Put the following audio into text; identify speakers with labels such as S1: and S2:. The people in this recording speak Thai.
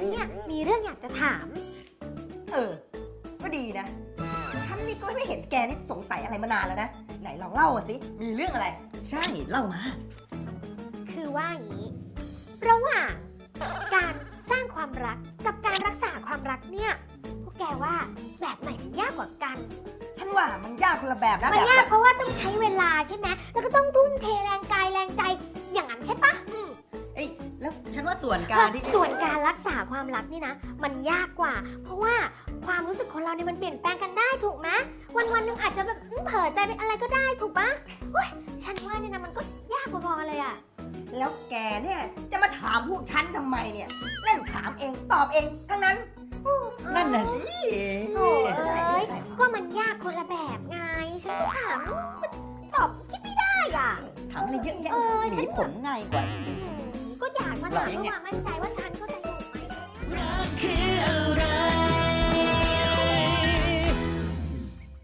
S1: นเนี่ยมีเรื่องอยากจะถาม
S2: ก็ดีนะฉันนี่ก็ไม่เห็นแกนี่สงสัยอะไรมานานแล้วนะไหนลองเล่ามาสิมีเรื่องอะไร
S3: ใช่เล่ามา
S1: คือว่าอย่างนี้ระหว่างการสร้างความรักกับการรักษาความรักเนี่ยพวกแกว่าแบบไหนมันยากกว่ากัน
S2: ฉันว่ามันยากคนละแบบนะ
S1: มัน
S2: แบบ
S1: ยากเพราะว่าต้องใช้เวลาใช่ไหมแล้วก็ต้องทุ่มเทแรงกายแรงใจอย่างนั้นใช่ปะ
S3: แล้วฉันว่าส่วนการที่
S1: ส่วนการรักษาความรักนี่นะมันยากกว่า เพราะว่าความรู้สึกของเราเนี่ยมันเปลี่ยนแปลงกันได้ถูกไหมวันๆนึงอาจจะแบบเผลอใจเป็นอะไรก็ได้ถูกปะเฮ้ยฉันว่าเนี่ยนะมันก็ยากพอๆกันเลยอะ
S2: แล้วแกเนี่ยจะมาถามพวกฉันทำไมเนี่ยเล่นถามเองตอบเองทั้งนั้น
S3: นั่นน่ะสิ
S1: โอ้ยก็มันยากคนละแบบไงฉันก็ถามตอบคิดไม่ได้อ่ะ
S3: ถามอะไรเยอะแยะ
S1: เออ
S3: หนีผมง่ายกว่า
S1: ก็อยากมาถามเพื่อความมั่นใจว่าฉัน